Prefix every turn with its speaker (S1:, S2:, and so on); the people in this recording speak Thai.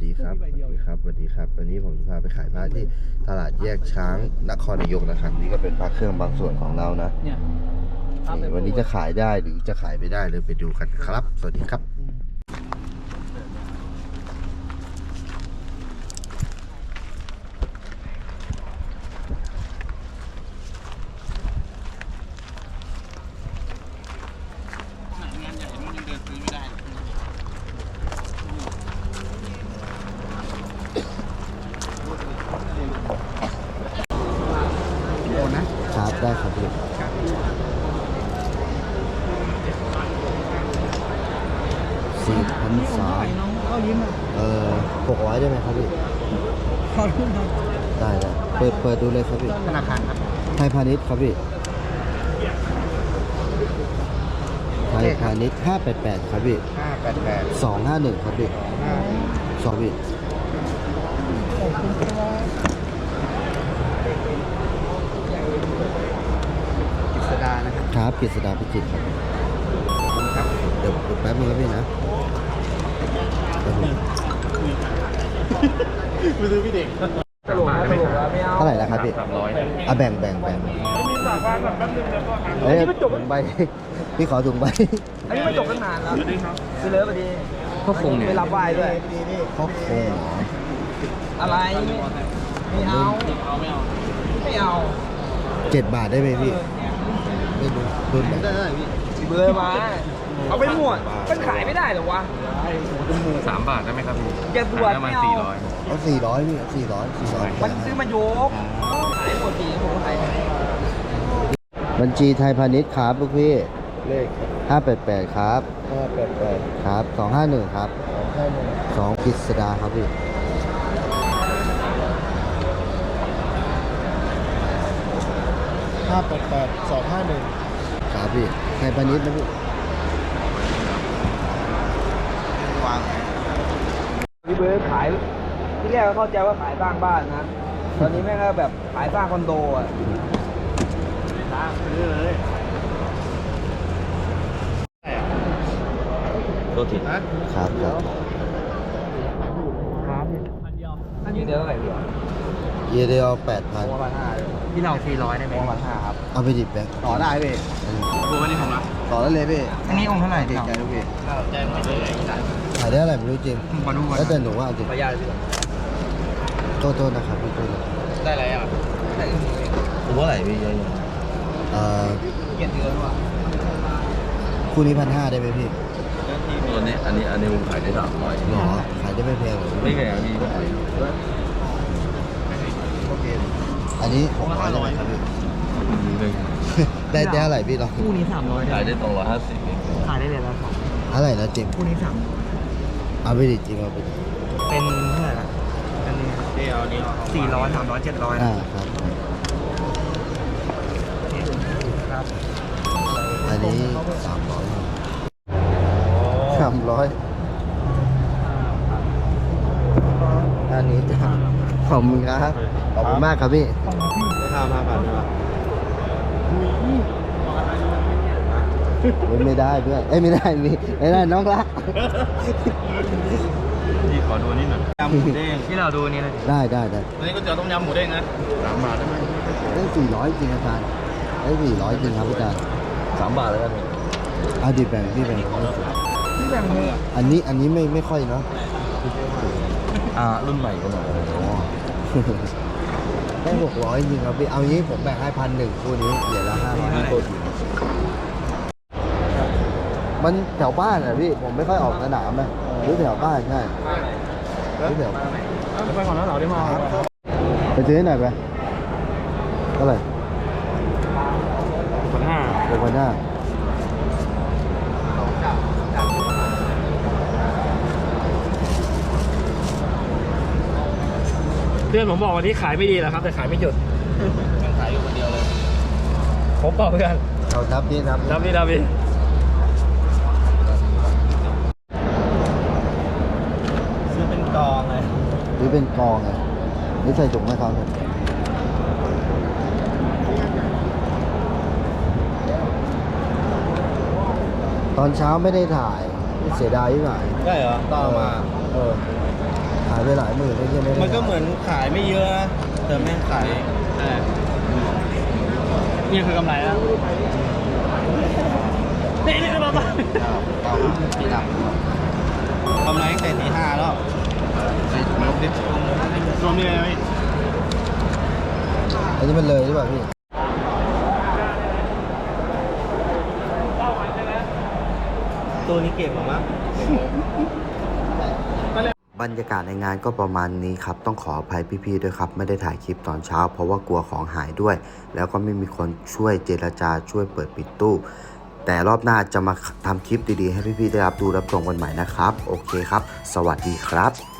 S1: ดีครับสวัสดีครับสวัสดีครับวันนี้ผมจะพาไปขายผ้าที่ตลาดแยกช้างนครนายกนะครับนี่ก็เป็นผ้าเครื่องบางส่วนของเรานะนี่วันนี้จะขายได้หรือจะขายไม่ได้เลยไปดูกันครับ สวัสดีครับ
S2: งานใหญ่นู่นยังเดินซื้อไม่ได้โอนนะครับ
S1: ได้ครับพี่4,300
S2: เข้ายิ้มอ่ะ
S1: 600ได้ไหมครับพี่
S2: ขอรุ่นครับ
S1: ได้เปิดดูเลยครับพี่
S2: ธนาคารครับ
S1: ไทยพาณิชย์ครับพี่ไทยพาณิชย์588ครับพี่
S2: 588
S1: 251ครับพี่2พี่
S2: ขอบคุณครับกิษดานะครับ
S1: ครับกฤษดาพิจิตรครับ
S2: ครับ
S1: เดี๋ยวแป๊บนึงครับพี่นะ
S2: ไปซื้อพี่เด็กตลกนะตลกแล้วไม่เอา
S1: เท่าไหร่แล้วครับพี่อ่ะแบ่งเอ้ยถุงใบ พี่ขอถุงใบ
S2: อันนี้ไม่จบตั้งนานแล้วไปเลยพอดีพ่อคงเนี่ยไปรับไหว้ด้วย
S1: พ่อคงเหรอ
S2: อะไรไม่เอาไม่เอา
S1: 7 บาทได้ไหมพี่ไม่ดูรุ่นไหน
S2: เบอร์มาเอาไปหมดมันขายไม่ได้หรอวะ
S3: 3 บาทได้ไหมครับพี่
S2: อย่าบวช
S3: ประมา
S2: ไม่
S3: ณ
S2: เอา
S1: เอา400พี่400
S2: มันซื้อมายกขายหมดทีผมขาย
S1: บัญชีไทยพาณิชย์ครับลูกพี่
S2: เลข
S1: 588ครับ
S2: 588
S1: ครับ251ครับ2กฤษดาครับพี่ครับพี่ไทยพาณิชย์นะพี่
S2: พี่เบิร์ดขายที่แรกก็เข้าใจว่าขายสร้างบ้านนะ ตอนนี้แม่งก็แบบขายสร้างคอนโดอ่ะซื้อเลย
S3: ตัวถิด
S1: ครับ
S2: ครับอันนี้เดี๋ยวเท่าไหร่พี่
S1: เยเดียว
S2: ประมาณ5เลยพี่เรา400ได้ไหมประมาณ5ครับ
S1: 8,000เอาไปดิบแบงค์
S2: ต่อได้พี่
S3: ตัวนี้ผมรับ
S1: ต่อได้เลยพี่
S2: อันนี้องค์เท่าไหร่
S1: เด็
S2: พี่
S1: กใจลูกพี่
S3: แจ้งไม่เลย
S1: ขายได้อะไรไม่รู้จริง
S2: มาดูกัน
S1: แล้วแต่หนูว่าจริง
S2: ประหยัดพี่
S1: โทษนะครับพี่โทษนะ
S3: ได้อะไรอ่ะ
S2: ได้
S3: ตัวเท่าไหร่พี่เยอะ
S2: เกียรติเดือนว่ะ
S1: คู่นี้1,500ได้ไหมพี่
S3: ตัวนี้อันนี้ผมขายได้300
S1: หรอขายได้ไม่แพงหรอ
S3: ไม่แพงพี่
S1: อันนี้600ได้ไหมครับพี่
S3: หนึ่ง
S1: ได้เท่าไหร่พี่ลอง
S2: คู่นี้300
S3: ขายได้250
S2: ขายได้เลยละ2
S1: เท่าไหร่นะจริง
S2: คู่นี้3
S1: เอาไปดิจริงเอาไปดิ
S2: เป็นเท่าไหร่ล่ะอันนี้
S3: เดี๋ยวนี้
S2: 400 300 700
S1: ครับ
S2: ครับ
S1: อันนี้300อันนี้จะขอบคุณครับขอบคุณมากครับพี่
S3: 5,000นะครับ
S1: ไม่ได้เพื่อนเอ้ยไม่ได้ไม่ได้น้องรัก
S3: พี่ขอดูนิดหน่อยยำหมูเด้ง
S2: ที่เราดูนี่เลย
S1: ได้
S3: ตัวนี้ก็เจอต้มยำหมูเด้งนะ3 บาทได้ไหม
S1: ได้400จริงอาจารย์ได้400จริงครับอาจารย์
S3: 3 บาทแล้วกัน
S1: เอาดิแบ่งพี่แบ่ง
S2: ที่แบ่งมือ
S1: อันนี้ไม่ค่อยเนาะ
S3: รุ่นใหม่ก็หน่อย
S1: ได้600จริงครับพี่เอางี้ผมแบ่งให้1,100คู่นี้เหลือละ500ตัวมันแถวบ้านอ่ะพี่ผมไม่ค่อยออกสนามนะหรือแถวบ้านใช่หรือแถว
S2: ไปก่อนแล้วเราได้มา
S1: ไปซื้อหน่อยไปเท่าไหร่
S2: 5
S1: 6,500
S4: เพื่อนผมบอกวันนี้ขายไม่ดีแหละครับแต่ขายไม่หยุด
S3: ขายอยู่คนเดียวเลย
S4: ผมเปล่าเพื่อน
S1: เอาทับนี่นับ
S4: ดับพี่
S3: ซื้อเป็นกองเลย
S1: หรือเป็นกองไงหรือใส่ถุงให้เขาเนี่ยตอนเช้าไม่ได้ถ่ายเสียดายที่ไหน
S3: ได้เหรอต่อมา
S1: ถ่ายไปหลายหมื่นเลยใช่ไหม
S3: มันก็เหมือนขายไม่เยอะนะแต่แม่งขาย
S4: นี่คือกำไรแล้วนี่เราไป
S3: ตีดำกำไรตั้งแต่ตี 5แล้วลบดิ
S4: รวมนี่เลยไหม
S1: อันนี้มันเลยหรือเปล่าพี่
S3: ตัวนี้เก็บหรอมั้ง
S1: บรรยากาศในงานก็ประมาณนี้ครับต้องขออภัยพี่ๆด้วยครับไม่ได้ถ่ายคลิปตอนเช้า เพราะว่ากลัวของหายด้วย แล้วก็ไม่มีคนช่วยเจรจาช่วยเปิดปิดตู้ แต่รอบหน้าจะมาทำคลิปดีๆให้พี่ๆได้รับดูรับชมกันใหม่นะครับโอเคครับสวัสดีครับ